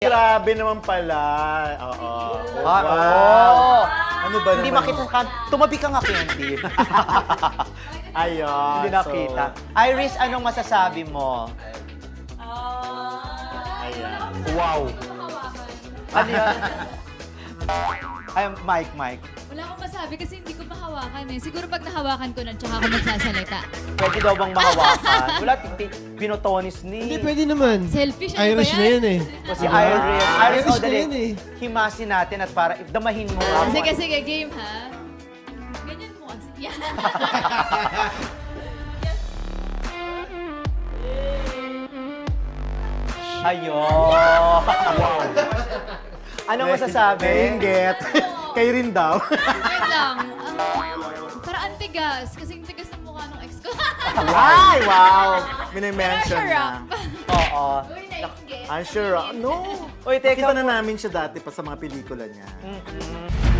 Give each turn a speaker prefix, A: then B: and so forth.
A: Grabe naman pala. Oo.
B: Oo.
A: Ano ba
B: Hindi
A: naman?
B: makita ka. Tumabi ka nga, Candy.
A: Ayun.
B: Hindi nakita. Iris, anong masasabi mo?
A: Ayan.
B: Wow. Ano yan? Ay, Mike.
C: Wala akong masabi kasi hindi ko mahawakan eh. Siguro pag nahawakan ko na, tsaka ako magsasalita.
B: Pwede daw bang mahawakan? Wala, pinotonis ni.
D: Hindi, pwede naman.
C: Selfish, ano
D: Irish
C: ba
D: na
C: yan?
D: yan eh.
B: Si Iris. Iris,
D: Irish
B: oh,
D: na
B: dali.
D: yan eh.
B: Himasin natin at para damahin mo nga.
C: Sige, game ha. Ganyan mo kasi. Yan.
B: Ayun. Anong masasabi?
A: Nainggit. Kayo rin daw.
C: Wait lang. Para antigas. Kasi yung tigas ng mukha ng ex ko.
A: Ay, wow. Minimension
C: Pressure
A: na.
C: up.
B: Oo.
C: Uy, nainggit.
A: I'm sure. No.
B: Uy, teka
A: Kita na namin siya dati pa sa mga pelikula niya.
B: Mm-mm.